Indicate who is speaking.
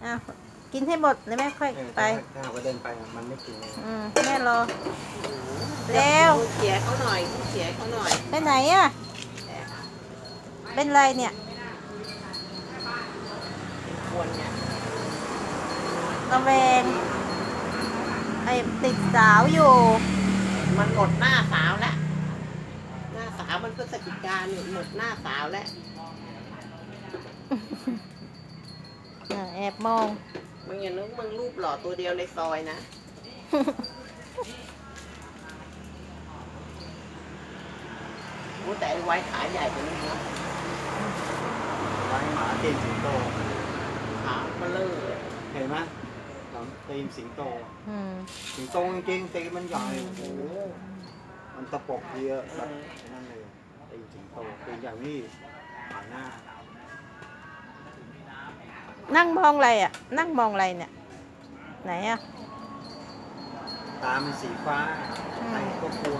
Speaker 1: อ้าวกินให้หมดแล้วแม่ค่อยไป
Speaker 2: ถ้าหากว่าเดินไปมันไม่กินเลย
Speaker 1: แม่รอเร็ว
Speaker 3: เสียเขาหน่อยเสียเขาหน่อย
Speaker 1: ไปไหนอ่ะเป็นไรเนี่ย
Speaker 3: ควรเนี่ย
Speaker 1: ระแวงไอ้ติดสาวอยู่
Speaker 3: มันหมดหน้าสาวแล้วหน้าสาวมันพฤศจิกาเนี่ยหมดหน้าสาวแล้ว
Speaker 1: แอบมอง
Speaker 3: มึงอย่านึกมึงรูปหล่อตัวเดียวในซอยนะโอ้แต่ไอ้ไว้ขาใหญ่กว่านี้นะ
Speaker 2: ไว้หมาตีนสิงโต
Speaker 3: ขาเบลอเลย
Speaker 2: เห็นไหมหลังตีนสิงโต
Speaker 1: อืม
Speaker 2: สิงโตจริงๆตีนมันใหญ่โอ้โหมันตะปบเยอะแบบนั่นเลยตีนสิงโตตีนอย่างนี้หันหน้า
Speaker 1: นั่งมองอะไรอ่ะ นั่งมองอะไรเนี่ย ไหนอ่ะ
Speaker 2: ตามันสีฟ้าใครก็กลัว